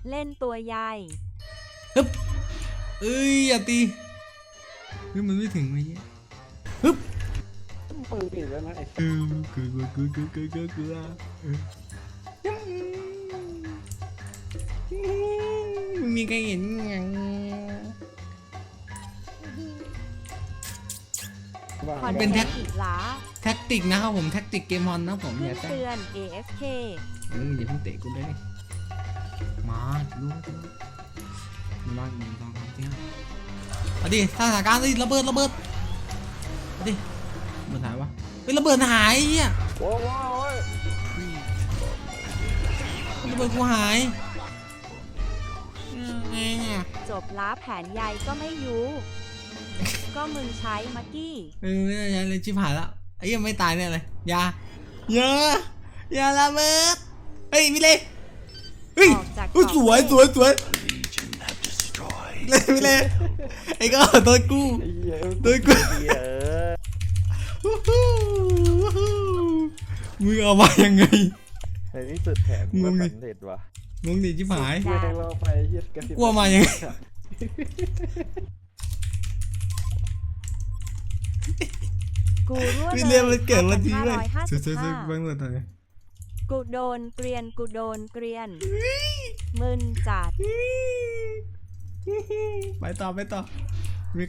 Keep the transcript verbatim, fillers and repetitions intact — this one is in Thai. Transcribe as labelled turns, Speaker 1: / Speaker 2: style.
Speaker 1: เล่นตัวใหญ่
Speaker 2: ฮึบเอ้ยอย่าตีเฮ้ยมันไม่ถึงไอ้เหี้ยฮึบ
Speaker 3: ปืนปิดแล้วนะไอ้
Speaker 2: เออเกลือเกลือเกลือเกลือเกลือเกลือมึงมีใครเห็นยังเป็นแท็ก
Speaker 1: อีกหลา
Speaker 2: แท็กติกนะครับผมแท็กติกเกมมอนนะผมอย่า
Speaker 1: เตือน เอ เอฟ เค
Speaker 2: อืมอย่าเพิ่งเตะกูเลยมาดูดูมันว่ามันต้องทำที่ห้าเอาดิสถานการณ์ดิระเบิดระเบิดเอาดิระเบิดหายวะเฮ้ยระเบิดหายอ่ะ
Speaker 3: โอ้โห
Speaker 2: ระเบิดกูหายไงอ่ะ
Speaker 1: จบล้าแผนใหญ่ก็ไม่ยูก็มึงใช้มักกี้
Speaker 2: เออไม่ได้ใช้เลยชิบหายแล้วไอ้ยังไม่ตายเนี่ยเลยอย่าอย่าอย่าระเบิดเฮ้ยมิเลยเฮ้ยสวยสวยสวยเลยมิเลยไอ้ก็ตัวกูตัวกูมึงเอามายังไง
Speaker 3: ในที่สุดแผนมันสำเร็จวะ
Speaker 2: งงดิชิบหาย
Speaker 3: เราไปเฮียกระสิบ
Speaker 2: กลัวมายังไง
Speaker 1: กูรั่วเลย
Speaker 2: เรียนมันเกิดวันที่เลยสุดๆบ้างเลยตอนนี้
Speaker 1: กูโดนเกรียนกูโดนเกรียนมึนจัด
Speaker 2: ไปต่อไปต่อ